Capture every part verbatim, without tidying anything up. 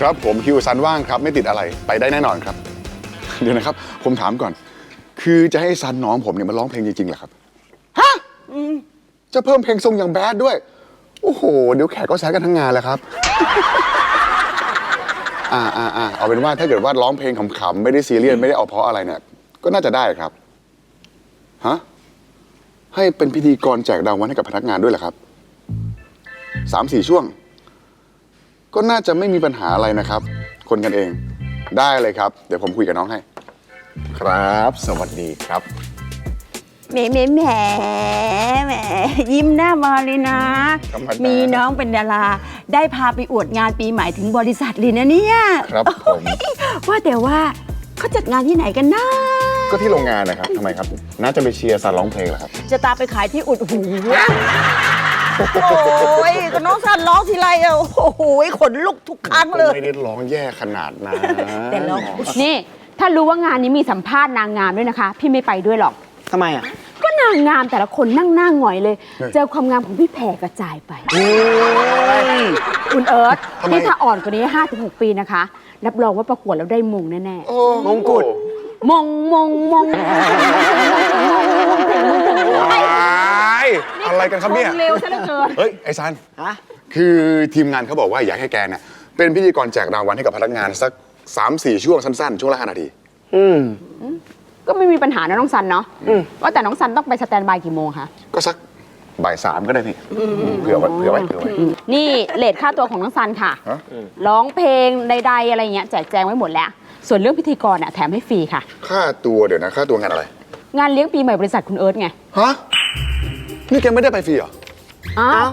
ครับผมคิวซันว่างครับไม่ติดอะไรไปได้แน่นอนครับเดี๋ยวนะครับผมถามก่อนคือจะให้ซันน้องผมเนี่ยมาร้องเพลงจริงๆเหรอครับฮะจะเพิ่มเพลงทรงอย่างแบดด้วยโอ้โหเดี๋ยวแขกก็แซะกันทั้งงานแล้วครับอ่าอ่าอ่าเอาเป็นว่าถ้าเกิดว่าร้องเพลงขำๆไม่ได้ซีเรียสไม่ได้เอาเพราะอะไรเนี่ยก็น่าจะได้ครับฮะให้เป็นพิธีกรแจกรางวัลให้กับพนักงานด้วยเหรอครับสามสี่ช่วงก็น่าจะไม่มีปัญหาอะไรนะครับคนกันเองได้เลยครับเดี๋ยวผมคุยกับน้องให้ครับสวัสดีครับแหมแหมแหมแหมยิ้มหน้ามาเลยนะมีน้องเป็นดาราได้พาไปอวดงานปีใหม่ถึงบริษัทเลยนะเนี่ยครับผมว่าแต่ว่าเขาจัดงานที่ไหนกันนะก็ที่โรงงานนะครับทำไมครับน่าจะไปเชียร์ซันร้องเพลงเหรอครับจะตามไปขายที่อุดหูโอ้ยก็น้องซันร้องทีไรอ่ะโอ้โหขนลุกทุกครั้งเลยไม่ได้ร้องแย่ขนาดนั้นแต่ร้องนี่ถ้ารู้ว่างานนี้มีสัมภาษณ์นางงามด้วยนะคะพี่ไม่ไปด้วยหรอกทำไมอ่ะก็นางงามแต่ละคนนั่งหน้าหงอยเลยเจอความงามของพี่แผ่กระจายไปคุณเอิร์ธนี่ถ้าอ่อนกว่านี้ ห้าถึงหก ปีนะคะรับรองว่าประกวดแล้วได้มงแน่ๆมงกุฎมงมงมงอะไรกันครับเนี่ยเร็วซะเหลือเกินเฮ้ยไอ้ซันคือทีมงานเขาบอกว่าอยากให้แกเนี่ยเป็นพิธีกรแจกรางวัลให้กับพนักงานสัก สามสี่ ช่วงสั้นๆช่วงละห้านาทีอืมก็ไม่มีปัญหานะน้องซันเนาะว่าแต่น้องซันต้องไปสแตนด์บายกี่โมงคะก็สักบ่ายสามก็ได้พี่เผื่อไว้เผื่อไว้เผื่อไว้นี่เลทค่าตัวของน้องซันค่ะร้องเพลงใดๆอะไรเงี้ยแจกแจงไว้หมดแล้วส่วนเรื่องพิธีกรน่ะแถมให้ฟรีค่ะค่าตัวเดี๋ยวนะค่าตัวงานอะไรงานเลี้ยงปีใหม่บริษัทคุณเอิร์ธไงฮะนี่แกไม่ได้ไปฟรีเหรออ้าว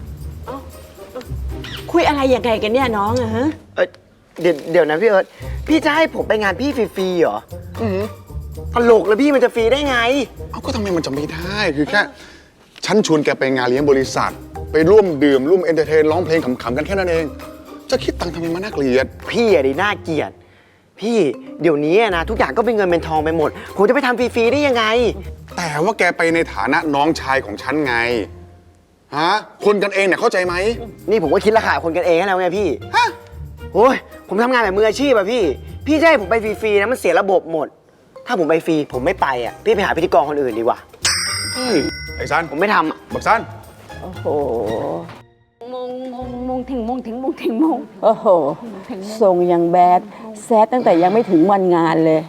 คุยอะไรยังไงกันเนี่ยน้องอะฮะเดี๋ยวเดี๋ยวนะพี่เอิร์ธพี่จะให้ผมไปงานพี่ฟรีๆเหรอตลกแล้วพี่มันจะฟรีได้ไงเอ้าก็ทำไมมันจะไม่ได้คือแค่ฉันชวนแกไปงานเลี้ยงบริษัทไปร่วมดื่มร่วมเอนเตอร์เทนร้องเพลงขำๆกันแค่นั้นเองจะคิดตังค์ทำไมมันน่าเกลียดพี่อะดิน่าเกลียดพี่เดี๋ยวนี้นะทุกอย่างก็เป็นเงินเป็นทองไปหมดผมจะไปทำฟรีๆได้ยังไงแต่ว่าแกไปในฐานะน้องชายของฉันไงฮะคนกันเองเนี่ยเข้าใจไหมนี่ผมก็คิดราคาคนกันเองแล้วไงพี่ฮะโอ้ยผมทำงานแบบมืออาชีพอะพี่พี่จะให้ผมไปฟรีๆนะมันเสียระบบหมดถ้าผมไปฟรีผมไม่ไปอะพี่ไปหาพิธีกรคนอื่นดีกว่าไอ้ซันผมไม่ทำบักซันโอ้โหมงมงมงถึงมงถึงมงถึงมงโอ้โหทรงยังแบดแซดตั้งแต่ยังไม่ถึงวันงานเลย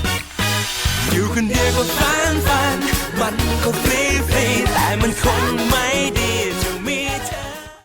อยู่คนเดียวก็ฟันฟันมันก็ฟรีฟรีแต่มันคง